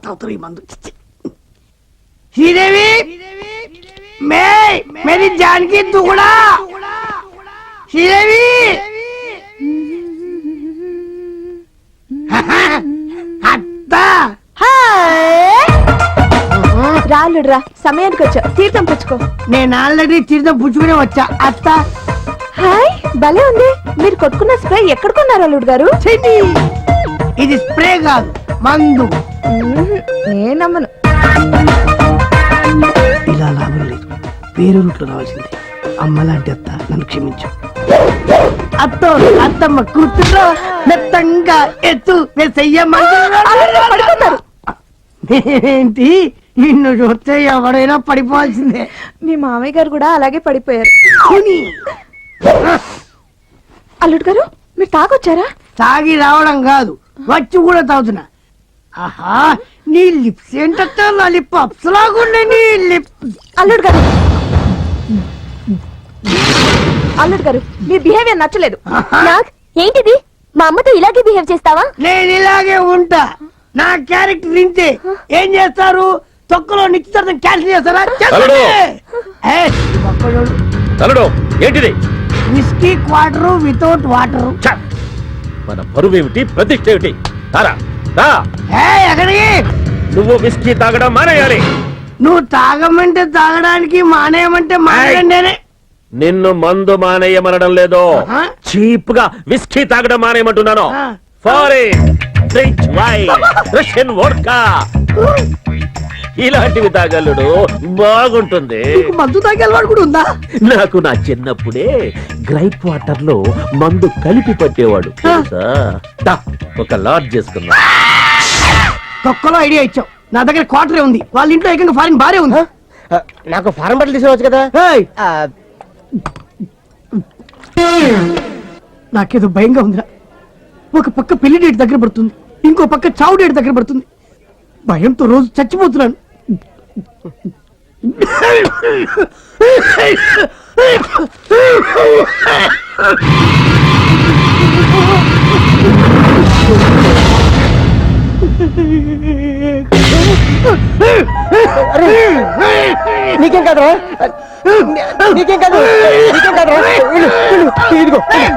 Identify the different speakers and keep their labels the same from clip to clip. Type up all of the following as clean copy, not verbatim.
Speaker 1: తాగుతారు ఈ మందు. శ్రీదేవి మేరీ జానకి దుగుడా శ్రీదేవి అత్త
Speaker 2: రాలుడ్రా సమయానికి వచ్చా తీర్థం పుచ్చుకో.
Speaker 1: నేను ఆల్రెడీ తీర్థం పుచ్చుకునే వచ్చా అత్త.
Speaker 2: హాయ్ భలే ఉంది. మీరు కొట్టుకున్న స్ప్రే ఎక్కడ కొన్నారు అల్లుడు గారు?
Speaker 1: ఇది స్ప్రే కాదు మందు.
Speaker 2: నేను నమ్మను.
Speaker 1: ఇలా లాభం లేదు, వేరే రూట్లో రావాల్సిందే. అమ్మలాంటి అత్త నన్ను క్షమించు. అత్తో అత్తమ్మ కూతురు మెత్తంగా ఎత్తు
Speaker 2: పడుతున్నారు.
Speaker 1: ఏంటి నిన్ను చూస్తే ఎవడైనా పడిపోవాల్సిందే.
Speaker 2: మీ మామయ్య గారు కూడా అలాగే పడిపోయారు. అల్లుడు గారు మీరు తాగొచ్చారా?
Speaker 1: తాగి రావడం కాదు, వచ్చి కూడా తాగుతున్నా. ఆహా నీ లిప్స్ ఏంటో నా లిప్ అప్సలాగుండే నీ లిప్.
Speaker 2: అల్లుడు గారు అల్లుడు గారు మీ బిహేవియర్ నచ్చలేదు. ఏంటిది మా అమ్మతో ఇలాగే బిహేవ్ చేస్తావా? నేను
Speaker 1: ఇలాగే ఉంటా. నా క్యారెక్టర్ ఇంతే. ఏం చేస్తారు? తొక్కలో నిశ్చితార్థం క్యాన్సిల్ చేస్తారా?
Speaker 3: ఏంటిది?
Speaker 1: Whisky quarter without water.
Speaker 3: మన పరువు ఏమిటి, ప్రతిష్ట ఏమిటి?
Speaker 1: ఎక్కడికి?
Speaker 3: నువ్వు విస్కీ తాగడం మానేయాలి.
Speaker 1: నువ్వు తాగమంటే తాగడానికి, మానేయమంటే మానేయండి.
Speaker 3: నిన్ను మందు మానేయమనడం లేదు, చీప్ గా విస్కీ తాగడం మానేయమంటున్నాను. Foreign drink wine, Russian vodka ఇలాంటివి తాగలుడు బాగుంటుంది.
Speaker 1: మందు తాగే అలవాటు కూడా ఉందా?
Speaker 3: నాకు నా చిన్నప్పుడే గ్రైప్ వాటర్ లో మందు కలిపి పట్టేవాడు. ఒక లాట్ చేసుకున్నా.
Speaker 1: తొక్కలో ఐడియా ఇచ్చావు. నా దగ్గర క్వార్టరే ఉంది, వాళ్ళ ఇంట్లో ఏకంగా ఫారిన్ బారే ఉంది.
Speaker 4: నాకు ఫారెన్ బట్టలు తీసుకురావచ్చు కదా.
Speaker 1: నాకేదో భయంగా ఉందిరా. ఒక పక్క పెళ్లి డేట్ దగ్గర పడుతుంది, ఇంకో పక్క చావు డేట్ దగ్గర పడుతుంది. భయంతో రోజు చచ్చిపోతున్నాను.
Speaker 4: నీకేం కాదు, నీకేం కాదు, నీకేం కాదు. ఇదిగో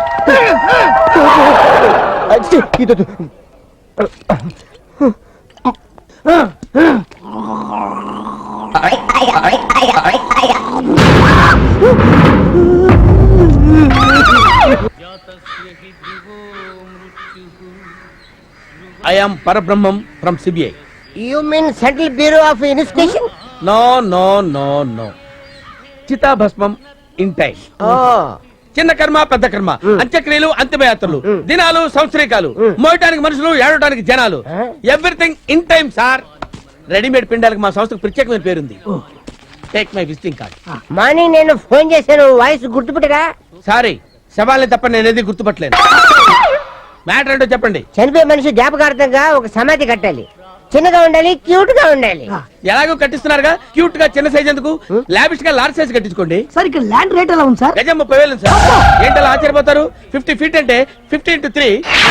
Speaker 5: I am Parabrahmam from CBI.
Speaker 4: You mean Central Bureau of Investigation?
Speaker 5: No, no, no, no. Chita Bhasmam in time. చిన్న కర్మ పెద్ద కర్మ, అంత్యక్రియలు అంతిమయాత్రలు, దినాలు సంవత్సరీకాలు, మోయటానికి మనుషులు, ఏడవటానికి జనాలు, everything in time sir. Readymade పిండాలకు మా సంస్థకు ప్రత్యేకమైన పేరుంది. Take my visiting card.
Speaker 4: Morning నేను ఫోన్ చేశాను, వాయిస్ గుర్తుపెట్టగా.
Speaker 5: సారీ, శవాల్ని తప్ప నేనేది గుర్తుపట్టలేను. మ్యాటర్ ఏంటో చెప్పండి.
Speaker 4: చనిపోయే మనిషి జ్ఞాపకార్థంగా ఒక సమాధి కట్టాలి. చిన్నగా ఉండాలి, క్యూట్ గా ఉండాలి.
Speaker 5: ఎలాగో కట్టిస్తున్నారుగా, క్యూట్ గా చిన్న సైజ్ ఎందుకు, లావిష్ గా లార్జ్ సైజ్ కట్టించుకోండి.
Speaker 1: సార్ ఇక్కడ ల్యాండ్ రేట్ ఎలా ఉంది సార్?
Speaker 5: గజం 30,000 సార్. ఏంటలా ఆశ్చర్యపోతారు? 50 feet అంటే 50 into 3.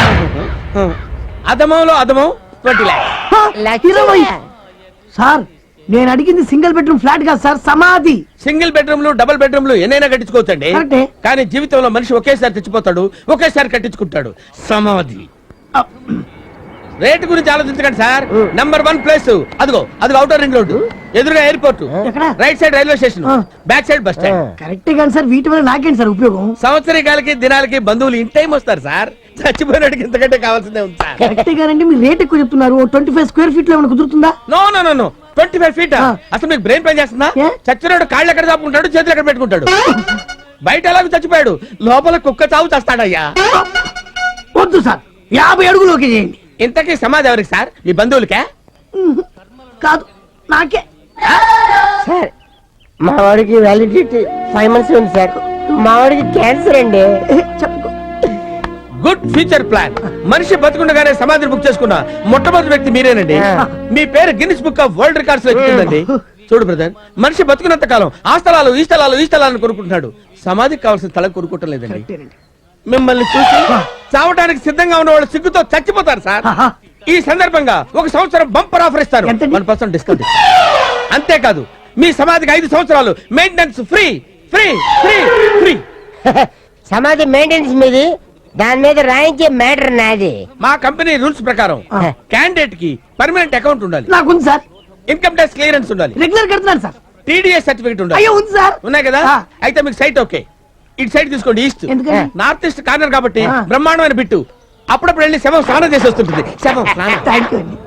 Speaker 5: అధమంలో అధమం 20 lakhs.
Speaker 1: సార్ నేను అడిగింది సింగిల్ బెడ్రూమ్ ఫ్లాట్ కాదు సార్, సమాధి.
Speaker 5: సింగిల్ బెడ్రూమ్లు డబుల్ బెడ్రూమ్లు ఎన్నైనా కట్టించుకోవచ్చండి. కానీ జీవితంలో మనిషి ఒకేసారి తెచ్చిపోతాడు, ఒకేసారి కట్టించుకుంటాడు. సమాధి. రేటు గురించి ఆలోచించకండి సార్. నంబర్ 1 ప్లేస్ అదిగో, అదిగో అవుటర్ రింగ్ రోడ్డు, ఎదురుగా airport, right side railway station, back side bus stand.
Speaker 1: Correct గాని సార్, వీటి వల్ల నాకేంటి సార్ ఉపయోగం?
Speaker 5: సంవత్సరికాలకి దినాలకి బంధువులు ఇన్ టైం వస్తారు సార్. చచ్చిపోయినట్టుకి ఇంతకంటే కావాల్సిందే ఉంది సార్.
Speaker 1: కరెక్ట్ గానండి, మీరు రేట్ ఎక్కువ చెప్తున్నారు. 25 square feet లో ఏమైనా కుదురుతుందా?
Speaker 5: No no no no 25 feet. అసలు మీకు బ్రెయిన్ పని చేస్తుందా? చచ్చినాడు కాళ్ళు ఎక్కడ చాపుకుంటాడు, చేతులు ఎక్కడ పెట్టుకుంటాడు? బయట ఎలాగో చచ్చిపోయాడు, లోపల కుక్క చావు చేస్తాడయ్యా.
Speaker 1: వద్దు సార్, 50 అడుగులోకి చేయండి.
Speaker 5: ఇంతకీ సమాధి ఎవరికి సార్? మీ బంధువులకే?
Speaker 1: కాదు, నాకే.
Speaker 4: సార్ మా వాడికి వ్యాలిడిటీ 5 months ఉంది సార్. మా వాడికి క్యాన్సర్ అండి.
Speaker 5: Good future plan. మనిషి బతుకుండగానే సమాధిని బుక్ చేసుకున్న మొట్టమొదటి వ్యక్తి మీరేనండి. మీ పేరు Guinness book of world records లో ఎక్కిందండి. చూడు బ్రదర్, మనిషి బతుకున్నంత కాలం ఆ స్థలాలు ఈ స్థలాలు ఈ స్థలాలను కొనుక్కుంటున్నాడు. సమాధికి కావాల్సిన స్థలం కొనుక్కోవటం లేదండి. మిమ్మల్ని చూసి చావటానికి సిద్ధంగా ఉన్న వాళ్ళు సిగ్గుతో చచ్చిపోతారు సార్. ఈ సందర్భంగా 1 సంవత్సరం బంపర్ ఆఫర్ ఇస్తాను.
Speaker 1: ఎంతండి?
Speaker 5: 1% డిస్కౌంట్. అంతేకాదు మీ సమాధికి 5 సంవత్సరాలు maintenance free free free free.
Speaker 4: సమాధి మెయింటెనెన్స్ మీది, దాని మీద రాయించే మ్యాటర్ నాది.
Speaker 5: మా కంపెనీ రూల్స్ ప్రకారం క్యాండిడేట్ కి పర్మనెంట్ అకౌంట్ ఉండాలి,
Speaker 1: నాకుంది సార్,
Speaker 5: ఇన్కమ్ ట్యాక్స్ క్లియరెన్స్ ఉండాలి,
Speaker 1: రెగ్యులర్ కడుతున్నాను సార్.
Speaker 5: టీడీఎస్ సర్టిఫికేట్ ఉండాలి.
Speaker 1: అయ్యో ఉంది సార్.
Speaker 5: ఉన్నాయి కదా?
Speaker 1: ఆ.
Speaker 5: అయితే మీకు సైట్ ఓకే. ఇటు సైడ్ తీసుకోండి, ఈస్ట్.
Speaker 1: ఎందుకని?
Speaker 5: నార్త్ ఈస్ట్ కార్నర్ కాబట్టి
Speaker 1: ఆ.
Speaker 5: బ్రహ్మాండమైన బిట్టు. అప్పుడప్పుడు వెళ్ళి శవం స్నానం చేసి వస్తుంటుంది. శవం స్నానం.
Speaker 1: థ్యాంక్ యూ అండి.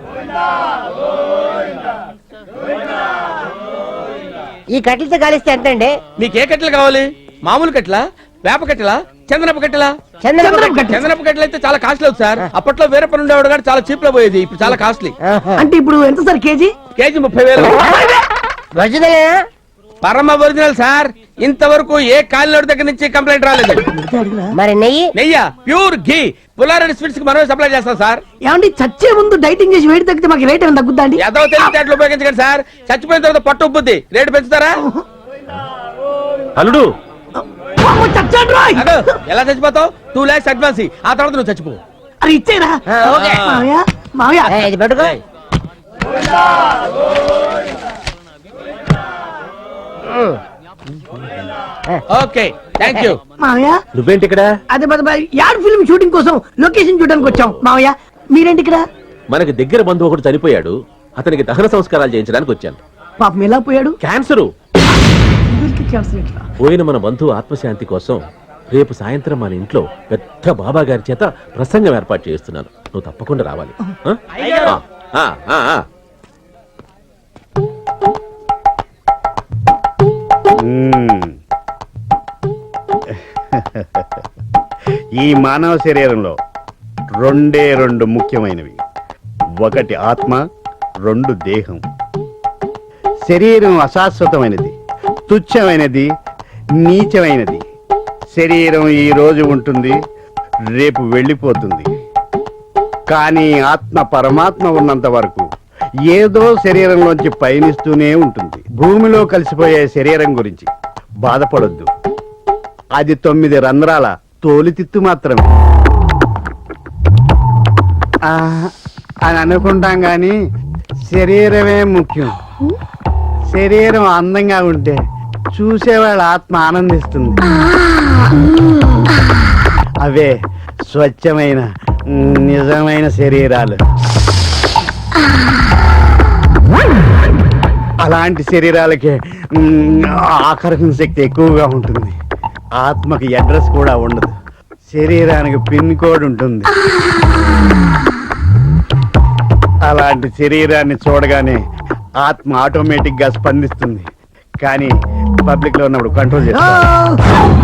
Speaker 4: ఈ కట్టెలతో కలిస్తే ఎంత అండి?
Speaker 5: మీకు ఏ కట్టెలు కావాలి? మామూలు కట్టెలా, వేప కట్టెలా, చందనపు కట్టెలా?
Speaker 4: చంద్రబాబు
Speaker 1: కట్టె.
Speaker 5: చందనపు కట్టెలు అయితే చాలా కాస్ట్లీ అవుతుంది సార్. అప్పట్లో వేరే పని ఉండేవాడు కానీ చాలా చీప్ లో పోయేది, ఇప్పుడు చాలా కాస్ట్లీ.
Speaker 4: ఆహా.
Speaker 1: అంటే ఇప్పుడు ఎంత సార్ కేజీ?
Speaker 5: కేజీ 30,000.
Speaker 4: ఒరిజినలేనా?
Speaker 5: పరమ ఒరిజినల్ సార్. ఇంతవరకు ఏ కాలినోడి దగ్గర నుంచి కంప్లైంట్ రాలేదు.
Speaker 4: మరి నెయ్యి?
Speaker 5: నెయ్య ప్యూర్ ఘీ పుల్లారెడ్డి స్వీట్స్ కి మనమే సప్లై చేస్తాం సార్.
Speaker 1: ఏమండి చచ్చే ముందు డైటింగ్ చేసి వెయిట్ తగ్గితే మాకు రేట్ ఏమైనా తగ్గుద్దా అండి?
Speaker 5: ఏదో తెలివితేటలు ఉపయోగించకండి సార్. చచ్చిపోయిన తర్వాత పట్టు ఉబ్బుద్ది, రేటు పెంచుతారా?
Speaker 3: అల్లుడు
Speaker 1: అమ్మో, చచ్చాడు రోయ్.
Speaker 5: అదో ఎలా చచ్చిపోతావు? 2 lakhs అడ్వాన్స్ ఇయ్యి. ఆ తర్వాత నువ్వు చచ్చిపో.
Speaker 1: అరే ఇచ్చేరా.
Speaker 4: ఆ, ఓకే.
Speaker 1: మావయ్య మావయ్య
Speaker 4: ఇది పట్టుకో.
Speaker 5: ఏయ్. Okay thank you.
Speaker 1: మావయ్య
Speaker 3: నువ్వేంటి ఇక్కడ?
Speaker 1: అదే యాడ్ ఫిల్మ్ షూటింగ్ కోసం లొకేషన్ చూడడానికి వచ్చాం. మావయ్య మీరేంటి ఇక్కడ?
Speaker 3: మనకి దగ్గర బంధువు ఒకటి చనిపోయాడు, అతనికి దహన సంస్కారాలు చేయించడానికి వచ్చాను.
Speaker 1: పాపం ఎలా పోయాడు?
Speaker 3: క్యాన్సరు.
Speaker 1: ఇద్దరికి క్యాన్సర్ ఎట్లా?
Speaker 3: పోయిన మన బంధువు ఆత్మశాంతి కోసం రేపు సాయంత్రం మన ఇంట్లో పెద్ద బాబా గారి చేత ప్రసంగం ఏర్పాటు చేస్తున్నాను. నువ్వు తప్పకుండా రావాలి. ఆ?
Speaker 6: ఈ మానవ శరీరంలో రెండు ముఖ్యమైనవి. ఒకటి ఆత్మ, 2 దేహం. శరీరం అశాశ్వతమైనది, తుచ్చమైనది, నీచమైనది. శరీరం ఈ రోజు ఉంటుంది, రేపు వెళ్ళిపోతుంది. కానీ ఆత్మ పరమాత్మ ఉన్నంత వరకు ఏదో శరీరంలోంచి పయనిస్తూనే ఉంటుంది. భూమిలో కలిసిపోయే శరీరం గురించి బాధపడొద్దు. అది 9 రంధ్రాల తోలితిత్తు మాత్రమే అని అనుకుంటాం గాని శరీరమే ముఖ్యం. శరీరం అందంగా ఉంటే చూసేవాళ్ళ ఆత్మ ఆనందిస్తుంది. అవే స్వచ్ఛమైన నిజమైన శరీరాలు. అలాంటి శరీరాలకే ఆకర్షణ శక్తి ఎక్కువగా ఉంటుంది. ఆత్మకి అడ్రస్ కూడా ఉండదు, శరీరానికి పిన్ కోడ్ ఉంటుంది. అలాంటి శరీరాన్ని చూడగానే ఆత్మ ఆటోమేటిక్ గా స్పందిస్తుంది. కానీ పబ్లిక్ లో ఉన్నప్పుడు కంట్రోల్ చేస్తుంది.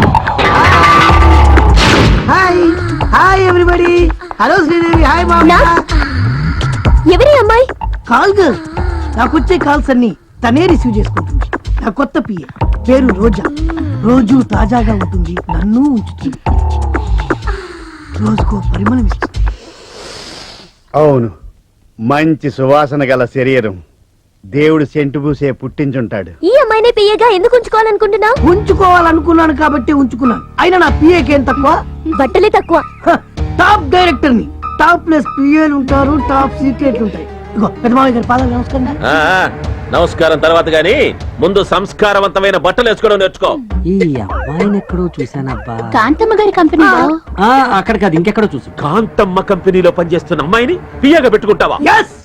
Speaker 1: Hi hi everybody. Hello Sridevi. Hi మామయ్య.
Speaker 2: ఎవరి అమ్మాయి?
Speaker 1: Call girl. నాకు వచ్చే కాల్స్ అన్ని తనే రిసీవ్ చేసుకుంటుంది. నా కొత్త పిఏ పేరు రోజా. రోజు తాజాగా ఉంటుంది, నన్ను ఉంచుతుంది, రోజుకో పరిమళం ఇస్తుంది.
Speaker 6: అవును, మంచి సువాసన గల శరీరం దేవుడు సెంటు పూసే పుట్టించుంటాడు.
Speaker 2: ఈ అమ్మాయినే పియ్యగా ఎందుకు ఉంచుకోవాలనుకుంటున్నావు?
Speaker 1: ఉంచుకోవాలనుకున్నాను కాబట్టి ఉంచుకున్నాను. అయినా నా పిఏకి ఏం తక్కువ?
Speaker 2: బట్టలే తక్కువ.
Speaker 1: టాప్ డైరెక్టర్ ని. టాప్ ప్లస్ పిఏలు ఉంటారు, టాప్ సీక్రెట్లు ఉంటాయి. ఇగో పెద్ద మామయ్య గారి పాదాలు నమస్కారం.
Speaker 3: నమస్కారం తర్వాత గాని ముందు సంస్కారవంతమైన బట్టలు వేసుకోవడం నేర్చుకో.
Speaker 7: ఈ అమ్మాయిని ఎక్కడో చూసానబ్బా.
Speaker 2: కాంతమ్మ గారి కంపెనీలో.
Speaker 7: అక్కడ కాదు, ఇంకెక్కడో చూసు.
Speaker 3: కాంతమ్మ కంపెనీలో పనిచేస్తున్న అమ్మాయిని పియ్యగా పెట్టుకుంటావా?
Speaker 1: ఎస్.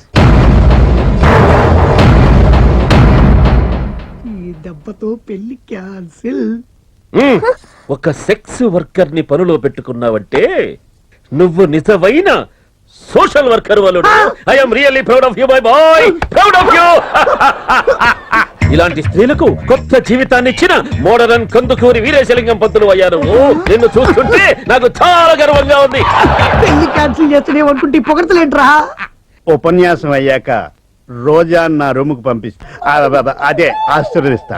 Speaker 1: ఈ దెబ్బతో పెళ్లి క్యాన్సిల్.
Speaker 3: ఒక సెక్స్ వర్కర్ ని పనిలో పెట్టుకున్నావంటే నువ్వు నిజమైన సోషల్ వర్కర్ వలుడు. I'm really proud of you my boy, proud of you. ఇలాంటి స్త్రీలకు కొత్త జీవితాన్ని ఇచ్చిన మోడరన్ కందుకూరి వీరేశలింగం పంతులు అయ్యారు. నిన్ను చూస్తుంటే నాకు చాలా గర్వంగా ఉంది.
Speaker 1: పెళ్లి క్యాన్సిల్ చేస్తూనే అనుకుంటే పొగడతలేంట్రా.
Speaker 6: ఉపన్యాసం అయ్యాక రోజా నా రూముకు పంపిస్తా, అదే ఆశీర్వదిస్తా.